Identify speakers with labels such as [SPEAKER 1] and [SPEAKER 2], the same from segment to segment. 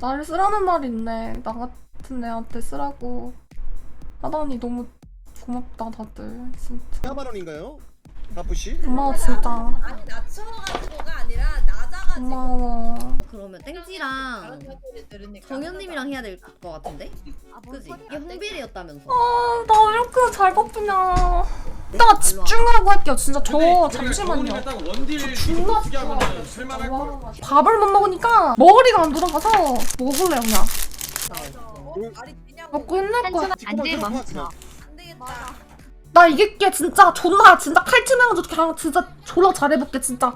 [SPEAKER 1] 나를 쓰라는 말이 있네. 나 같은 애한테 쓰라고 하다니 너무 고맙다 다들 진짜.
[SPEAKER 2] 4만 원인가요? 바쁘시?
[SPEAKER 1] 고마워 진짜.
[SPEAKER 3] 아니 낮춰가지고가 아니라 낮아가지고
[SPEAKER 1] 고마워.
[SPEAKER 4] 그러면 땡지랑
[SPEAKER 3] 다른 사람들이 들으니까
[SPEAKER 4] 정현님이랑 해야 될 것 같은데? 그지? 이게 홍빌이었다면서.
[SPEAKER 1] 나 왜 이렇게 잘 뽑히냐. 이따가 집중하고 할게요. 진짜 저 잠시만요.
[SPEAKER 5] 원딜
[SPEAKER 1] 존나
[SPEAKER 5] 어떻게 하면 쓸만할 걸.
[SPEAKER 1] 밥을 못 먹으니까 머리가 안 돌아가서 먹을래요 그냥.
[SPEAKER 3] 말이 되냐고
[SPEAKER 1] 먹고 힘낼 거야.
[SPEAKER 2] 안돼 멈춰.
[SPEAKER 3] 안 되겠다.
[SPEAKER 1] 나 이길게 진짜 존나 진짜 칼치면서 그냥 진짜 졸라 잘해볼게 진짜.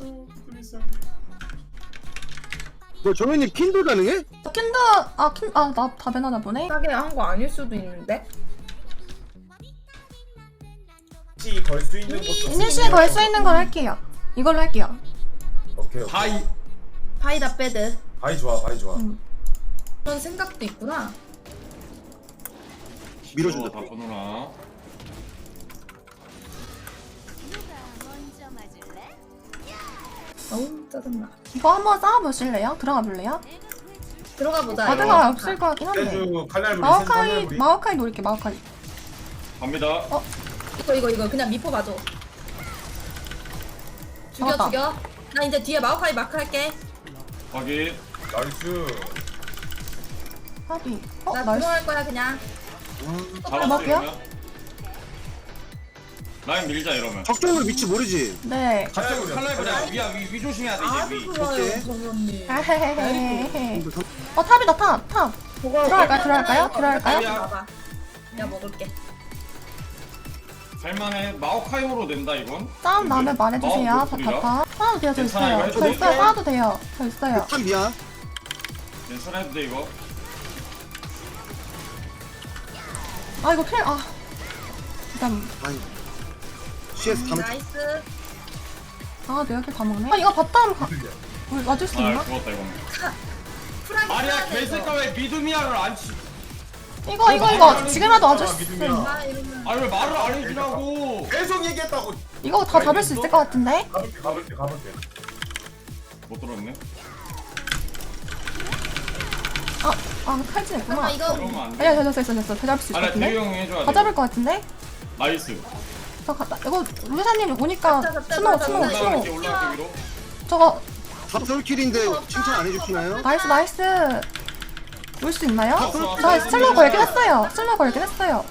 [SPEAKER 2] 뭐 정현님 킨도 가능해?
[SPEAKER 1] 킨드 나 답변하나 보네.
[SPEAKER 3] 싸게 한 거 아닐 수도 있는데.
[SPEAKER 5] 혹시 걸 수 있는 것도
[SPEAKER 1] 이니시에 걸 수 있는 걸 할게요. 이걸로 할게요.
[SPEAKER 5] 오케이. 바이
[SPEAKER 3] 바이다 빼드.
[SPEAKER 5] 바이 좋아 바이 좋아.
[SPEAKER 3] 그런 생각도 있구나.
[SPEAKER 2] 밀어준다.
[SPEAKER 5] 다 보느라.
[SPEAKER 3] 어우 짜증나.
[SPEAKER 1] 이거 한번 쌓아보실래요? 들어가 볼래요?
[SPEAKER 3] 들어가 보자.
[SPEAKER 1] 바드가 없을 것 같긴 한데.
[SPEAKER 5] 세주 칼날부리
[SPEAKER 1] 마오카이 노릴게 마오카이.
[SPEAKER 5] 갑니다.
[SPEAKER 3] 이거 그냥 미포 봐줘. 죽여
[SPEAKER 1] 잡았다.
[SPEAKER 3] 죽여. 나 이제 뒤에 마오카이 마크 할게.
[SPEAKER 5] 확인. 나이스.
[SPEAKER 1] 하비.
[SPEAKER 3] 나
[SPEAKER 1] 나이스.
[SPEAKER 3] 들어갈 거야 그냥.
[SPEAKER 5] 잡았어
[SPEAKER 1] 먹을게요.
[SPEAKER 5] 이러면. 라인 밀자 이러면.
[SPEAKER 2] 적정으로 위치 모르지?
[SPEAKER 1] 네.
[SPEAKER 5] 갑자기 칼날부리 위 조심해야 돼
[SPEAKER 3] 아주
[SPEAKER 5] 이제 위.
[SPEAKER 3] 좋아요 정현님.
[SPEAKER 1] 아헤헤헤헤. 탑이다 탑. 들어갈까요?
[SPEAKER 3] 봐봐. 내가 먹을게.
[SPEAKER 5] 살만해. 마오카이오로 낸다 이건.
[SPEAKER 1] 싸움 나면 말해주세요.
[SPEAKER 5] 마오 목소리라?
[SPEAKER 1] 다다다. 싸워도 돼요. 저
[SPEAKER 5] 괜찮아, 이거
[SPEAKER 1] 있어요.
[SPEAKER 5] 해도
[SPEAKER 1] 저
[SPEAKER 5] 돼?
[SPEAKER 1] 있어요. 싸워도 돼요. 저 있어요.
[SPEAKER 2] 한 미야.
[SPEAKER 5] 괜찮아 해도 돼 이거.
[SPEAKER 1] 아 이거 필 일단
[SPEAKER 2] 아니. CS 다 놓쳐.
[SPEAKER 3] 나이스.
[SPEAKER 1] 내 여기 다 먹네. 이거 바텀 우리 와줄 수 있나?
[SPEAKER 5] 아 죽었다 이거는.
[SPEAKER 3] 프라이
[SPEAKER 5] 마리아
[SPEAKER 3] 써야 돼,
[SPEAKER 5] 개새끼 왜 미드미아를 안 치?
[SPEAKER 1] 이거 지금이라도 와줄 수 있어요.
[SPEAKER 3] 아 이러면
[SPEAKER 5] 아니 왜 말을 안 해주냐고. 계속 얘기했다고.
[SPEAKER 1] 이거 다 잡을 수 있을 것 같은데?
[SPEAKER 5] 가볼게. 못 들었네.
[SPEAKER 1] 칼진 있구나.
[SPEAKER 3] 잠깐 이거
[SPEAKER 5] 그러면 안 돼.
[SPEAKER 1] 됐어. 다 잡을 수 있을 것
[SPEAKER 5] 아니 대유
[SPEAKER 1] 같은데?
[SPEAKER 5] 형이 해줘야 돼.
[SPEAKER 1] 다 잡을 것 같은데?
[SPEAKER 5] 나이스.
[SPEAKER 1] 저 갔다. 이거 루사님 오니까
[SPEAKER 3] 잡자.
[SPEAKER 1] 스노우.
[SPEAKER 5] 올라갈게 위로.
[SPEAKER 1] 저거
[SPEAKER 2] 탑솔킬인데 칭찬 안 해주시나요?
[SPEAKER 1] 나이스. 올 수 있나요?
[SPEAKER 5] 왔어.
[SPEAKER 1] 저 슬로우 걸긴 했어요.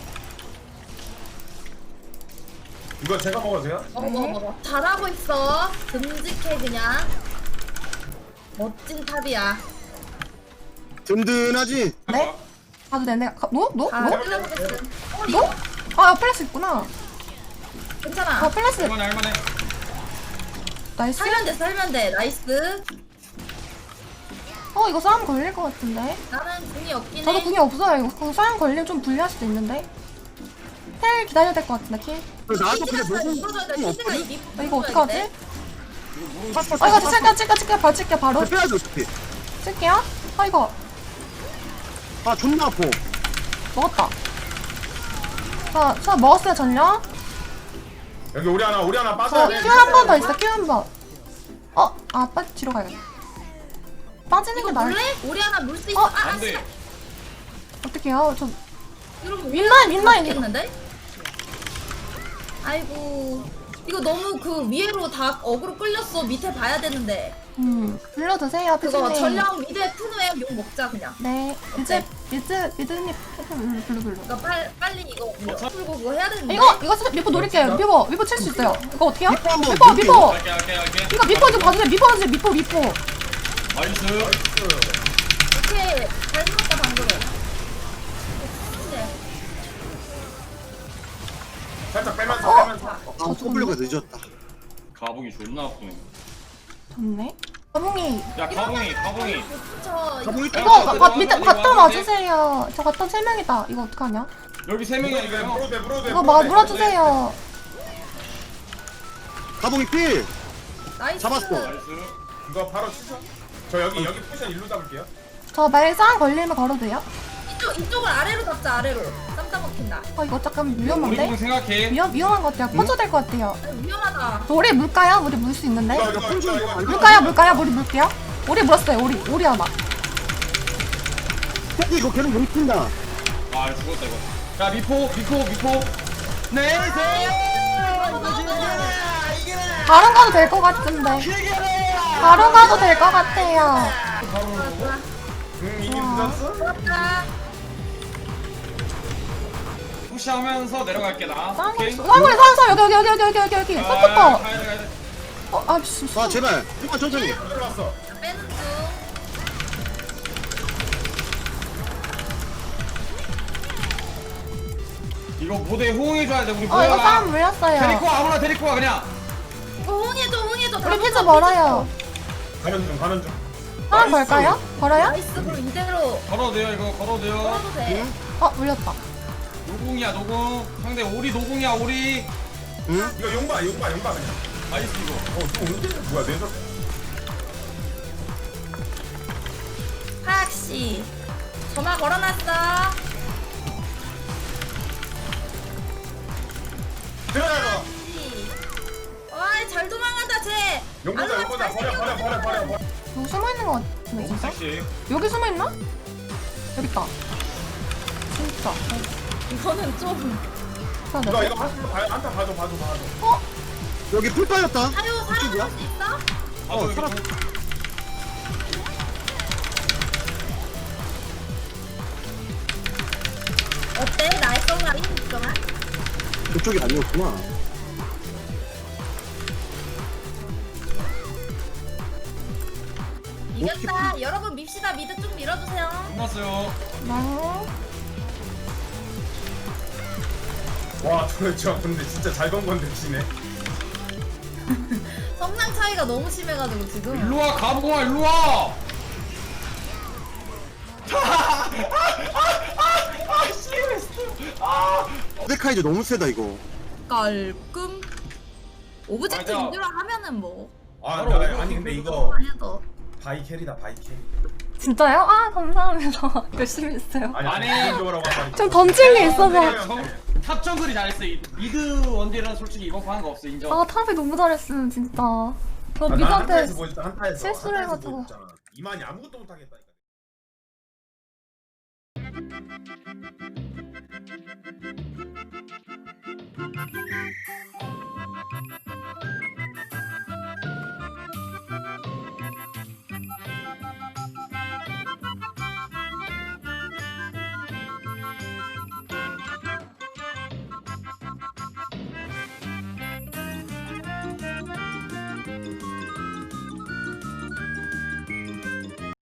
[SPEAKER 5] 이거 제가 먹어도 돼요?
[SPEAKER 3] 먹어. 잘하고 있어. 듬직해 그냥. 멋진 탑이야.
[SPEAKER 2] 든든하지?
[SPEAKER 1] 네? 가도 되네. 노?
[SPEAKER 3] 다 끌려보겠음.
[SPEAKER 1] 노? 플래시 있구나.
[SPEAKER 3] 괜찮아.
[SPEAKER 1] 플래시.
[SPEAKER 5] 할만해.
[SPEAKER 1] 나이스.
[SPEAKER 3] 살면 돼. 나이스.
[SPEAKER 1] 이거 싸움 걸릴 것 같은데?
[SPEAKER 3] 나는 궁이 없긴 해.
[SPEAKER 1] 저도 궁이 없어요. 이거 싸움 걸리면 좀 불리할 수도 있는데. 텔 기다려야 될 것 같은데, 킬?
[SPEAKER 2] 나도 그냥
[SPEAKER 3] 힐드가
[SPEAKER 2] 무슨
[SPEAKER 3] 힐드가
[SPEAKER 2] 없거든?
[SPEAKER 3] 이
[SPEAKER 1] 이거 어떡하지?
[SPEAKER 2] 탔어.
[SPEAKER 1] 이거 찔게요. 바로 찔게요, 바로.
[SPEAKER 2] 빼야지 어차피.
[SPEAKER 1] 찔게요. 이거.
[SPEAKER 2] 아 존나 아파.
[SPEAKER 1] 먹었다. 자, 먹었어요, 전력.
[SPEAKER 5] 여기 우리 하나
[SPEAKER 1] 저
[SPEAKER 5] 빠져야 돼.
[SPEAKER 1] 큐 한 번 더 있어, 큐 한 번. 뒤로 가야겠다. 빠지는 게
[SPEAKER 3] 이거
[SPEAKER 1] 나을
[SPEAKER 3] 물래? 우리 하나 물 수 있어.
[SPEAKER 5] 안 돼.
[SPEAKER 1] 어떡해요? 저,
[SPEAKER 3] 이러면
[SPEAKER 1] 윈라인.
[SPEAKER 3] 있겠는데? 아이고. 이거 너무 그 위로 다 어그로 끌렸어. 밑에 봐야 되는데.
[SPEAKER 1] 불러주세요,
[SPEAKER 3] 그거
[SPEAKER 1] 피디님.
[SPEAKER 3] 전령 미드에 푼 후에 욕 먹자 그냥.
[SPEAKER 1] 네,
[SPEAKER 3] 어때?
[SPEAKER 1] 미드님, 불러.
[SPEAKER 3] 그러니까 빨리 이거 풀고 그거 해야 되는데.
[SPEAKER 1] 이거 미포 노릴게요. 미포 칠 수 있어요. 이거 어떻게 해요?
[SPEAKER 2] 미포 한번
[SPEAKER 1] 미포.
[SPEAKER 2] 노릴게요.
[SPEAKER 5] 할게.
[SPEAKER 1] 이거 미포 좀 봐주세요. 미포.
[SPEAKER 5] 나이스.
[SPEAKER 3] 오케이. 잘 물었다 방금.
[SPEAKER 5] 살짝 빼면서.
[SPEAKER 2] 아 W 가 늦었다.
[SPEAKER 5] 가복이 존나 아프네.
[SPEAKER 1] 좋네. 가봉이.
[SPEAKER 5] 야 가봉이.
[SPEAKER 3] 저
[SPEAKER 2] 가봉이
[SPEAKER 1] 이거 밑에 갔다 와주세요. 저 갔다 3명이다. 이거 어떡하냐?
[SPEAKER 5] 여기 3명이야 이거. 물어대.
[SPEAKER 1] 이거 물어주세요.
[SPEAKER 2] 가봉이 필.
[SPEAKER 3] 나이스.
[SPEAKER 2] 잡았어.
[SPEAKER 5] 나이스. 이거 바로 치죠. 저 여기 포지션 일로 잡을게요.
[SPEAKER 1] 저 말싸움 걸리면 걸어도 돼요?
[SPEAKER 3] 이쪽을 아래로 잡자 아래로. 쌈싸 먹힌다.
[SPEAKER 1] 이거 잠깐
[SPEAKER 5] 우리
[SPEAKER 1] 위험한데?
[SPEAKER 5] 공 생각해.
[SPEAKER 1] 위험한 것 같아요. 퍼져 될 것 같아요.
[SPEAKER 3] 위험하다.
[SPEAKER 1] 우리 물까요? 우리 물 수 있는데?
[SPEAKER 5] 이거.
[SPEAKER 1] 물까요? 우리 물게요? 우리 물었어요. 우리 하나.
[SPEAKER 2] 혜지 이거 걔는 못 푼다.
[SPEAKER 6] 아 죽었다 이거. 야 미포.
[SPEAKER 1] 바로 가도 될 것 같은데. 바로 가도 될 것 같아요.
[SPEAKER 5] 이게 늦었어?
[SPEAKER 6] 푸시하면서 내려갈게 나. 오케이.
[SPEAKER 1] 사물이 여기. 떴다.
[SPEAKER 6] 가야 돼.
[SPEAKER 1] 아, 씨.
[SPEAKER 2] 아 제발. 좀만 천천히.
[SPEAKER 5] 들어갔어.
[SPEAKER 3] 빼는 중.
[SPEAKER 6] 이거 모델 호응해줘야 돼 우리
[SPEAKER 1] 이거
[SPEAKER 6] 뭐야.
[SPEAKER 1] 사람 물렸어요.
[SPEAKER 6] 데리고 와 아무나 데리고 와 그냥.
[SPEAKER 3] 호응해줘.
[SPEAKER 1] 우리 피자 멀어요.
[SPEAKER 5] 가는 중.
[SPEAKER 1] 사람 걸까요? 걸어요?
[SPEAKER 3] 나이스. 그럼 이대로
[SPEAKER 6] 걸어도 돼요 이거 걸어도 돼요.
[SPEAKER 3] 걸어도 돼.
[SPEAKER 1] 물렸다.
[SPEAKER 6] 노궁이야 노궁. 상대 오리 노궁이야 오리.
[SPEAKER 5] 이거 용봐 그냥.
[SPEAKER 6] 나이스 이거.
[SPEAKER 5] 또 오는데? 뭐야 내가?
[SPEAKER 3] 하악씨. 전화 걸어놨어.
[SPEAKER 5] 들어가서.
[SPEAKER 3] 와이 잘 도망간다 쟤.
[SPEAKER 5] 용보다 버려.
[SPEAKER 1] 여기 숨어있는 것 같은데, 진짜?
[SPEAKER 6] 섹시.
[SPEAKER 1] 여기 숨어있나? 여기 있다. 진짜.
[SPEAKER 3] 이거는 좀.
[SPEAKER 5] 이거 한타 봐요. 한타 봐줘.
[SPEAKER 2] 여기 풀 빠졌다.
[SPEAKER 3] 사료
[SPEAKER 2] 이쪽이야?
[SPEAKER 3] 살아남을 수 있어?
[SPEAKER 6] 여기
[SPEAKER 2] 살았어.
[SPEAKER 3] 어때? 나의 쏘가리 있잖아.
[SPEAKER 2] 그쪽이 아니었구나.
[SPEAKER 3] 이겼다. 여러분 밉시다. 미드 좀 밀어주세요.
[SPEAKER 6] 끝났어요.
[SPEAKER 5] 와, 저 근데 진짜 잘 건 건데 지네.
[SPEAKER 3] 성장 차이가 너무 심해가지고 지금.
[SPEAKER 6] 일로와 가보고와 일로와.
[SPEAKER 2] 데카이즈 너무 세다 이거.
[SPEAKER 3] 깔끔. 오브젝트
[SPEAKER 6] 맞아.
[SPEAKER 3] 인듀라 하면은 뭐.
[SPEAKER 5] 아,
[SPEAKER 6] 바로
[SPEAKER 5] 아니 근데 이거
[SPEAKER 3] 해도.
[SPEAKER 5] 바이 캐리다 바이 캐리.
[SPEAKER 1] 진짜요? 아, 감사합니다. 열심히 했어요.
[SPEAKER 5] 아니
[SPEAKER 6] 아니.
[SPEAKER 5] 기본적으로 말이.
[SPEAKER 1] 좀 던질 게 있어서.
[SPEAKER 6] 탑 정글이 잘했어. 이 미드 원딜은 솔직히 이번 거 하는 거 없어 인정.
[SPEAKER 1] 아, 탑이 너무 잘했음, 진짜. 저
[SPEAKER 5] 아, 나
[SPEAKER 1] 미드한테
[SPEAKER 5] 한타에서 보여줬다. 한타에서.
[SPEAKER 1] 실수를
[SPEAKER 5] 한타에서
[SPEAKER 1] 해가지고.
[SPEAKER 5] 보여줬잖아. 이만이 아무것도 못 하겠다니까.